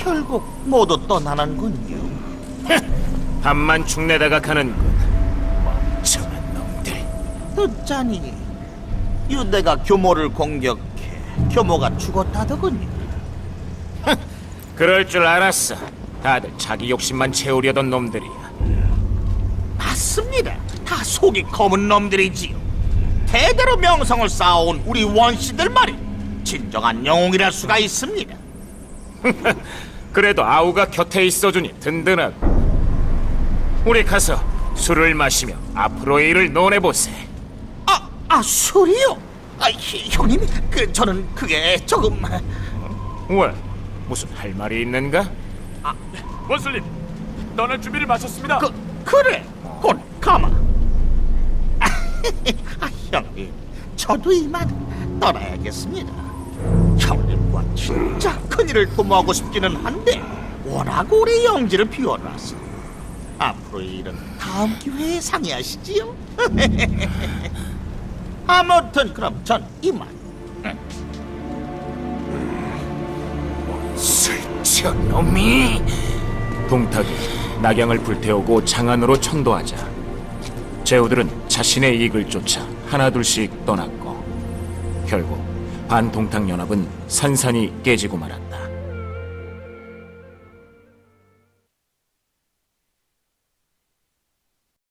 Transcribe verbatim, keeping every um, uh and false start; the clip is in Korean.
결국 모두 떠나는군요. 밥만 축내다가 가는군. 멍청한 놈들. 듣자니 유대가 교모를 공격해 교모가 죽었다더군요. 그럴 줄 알았어. 다들 자기 욕심만 채우려던 놈들이야. 맞습니다. 다 속이 검은 놈들이지요. 대대로 명성을 쌓아온 우리 원씨들 말이 진정한 영웅이랄 수가 있습니다. 그래도 아우가 곁에 있어주니 든든하고. 우리 가서 술을 마시며 앞으로의 일을 논해보세. 아, 아 술이요? 아, 히- 형님, 그 저는 그게 조금... 왜? 무슨 할 말이 있는가? 원슬님, 떠날 준비를 마쳤습니다. 그, 그래, 곧 가마. 아, 형님, 저도 이만 떠나야겠습니다. 형님과 진짜 큰일을 도모하고 싶기는 한데 워낙 오래 영지를 비워놔서 앞으로의 일은 다음 기회에 상의하시지요. 아무튼 그럼 전 이만. 술취한 놈이. 동탁이 낙양을 불태우고 장안으로 천도하자 제후들은 자신의 이익을 쫓아 하나둘씩 떠났고 결국 반동탁 연합은 산산이 깨지고 말았다.